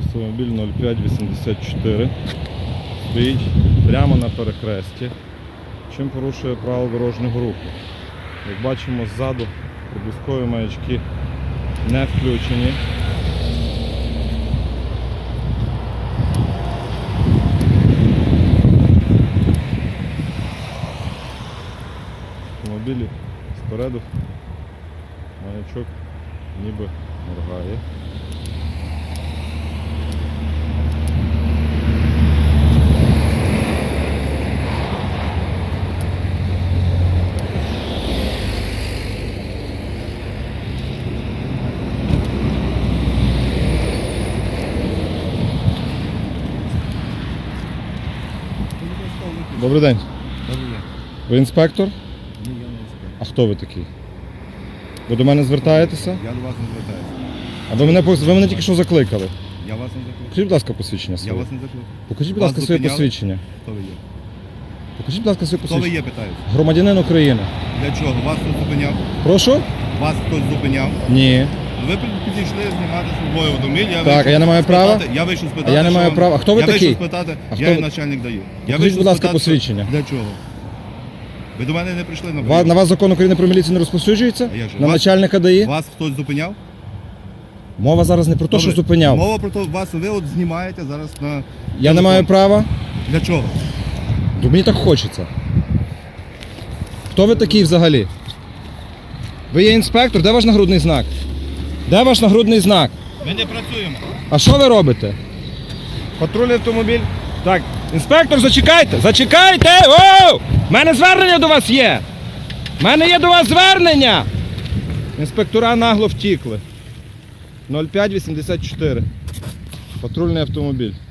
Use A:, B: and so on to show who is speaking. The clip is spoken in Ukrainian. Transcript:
A: Автомобіль 0584 стоїть прямо на перехресті, чим порушує правила дорожнього руху. Як бачимо, ззаду проблискові маячки не включені. Автомобілі спереду маячок ніби моргає. Добрий день.
B: Добрий день.
A: Ви інспектор?
B: Ні, я не інспектор.
A: А хто ви такий? Ви до мене звертаєтеся?
B: Я до вас не звертаюся.
A: А ви мене тільки що закликали.
B: Я вас не закликав.
A: Покажіть, будь ласка, посвідчення
B: Я
A: своє.
B: вас не закликав.
A: Покажіть, будь
B: Вас
A: ласка, своє
B: зупиняли?
A: посвідчення.
B: Хто ви є?
A: Покажіть, будь ласка, своє
B: Хто ви
A: посвідчення.
B: є, питаюся.
A: Громадянин України.
B: Для чого? Вас хтось зупиняв?
A: Прошу?
B: Вас хтось зупиняв?
A: Ні.
B: Ви підійшли знімати службовий автомобіль.
A: Так, а я не маю права?
B: Я вийшов спитати,
A: А я не маю права. А хто ви
B: я
A: такий?
B: вийшов спитати,
A: А
B: я
A: хто
B: є
A: ви?
B: начальник даю.
A: Покажіть, будь ласка, посвідчення.
B: Для чого? Ви до мене не прийшли на
A: На
B: прийом?
A: вас закон України про міліцію не розповсюджується?
B: А як же?
A: На
B: Вас-
A: начальника ДАІ?
B: Вас хтось зупиняв?
A: Мова зараз не про те, що
B: Добре.
A: зупиняв.
B: Мова про те, вас ви от знімаєте зараз на...
A: Я не
B: телефон.
A: маю права.
B: Для чого?
A: Бо мені так хочеться. Хто ви такий взагалі? Ви є інспектор? Де ваш нагрудний знак? Де ваш нагрудний знак?
B: Ми не працюємо.
A: А що ви робите? Патрульний автомобіль. Так, інспектор, зачекайте! Зачекайте! Оу! У мене звернення до вас є! У мене є до вас звернення! Інспектора нагло втікли. 0584. Патрульний автомобіль.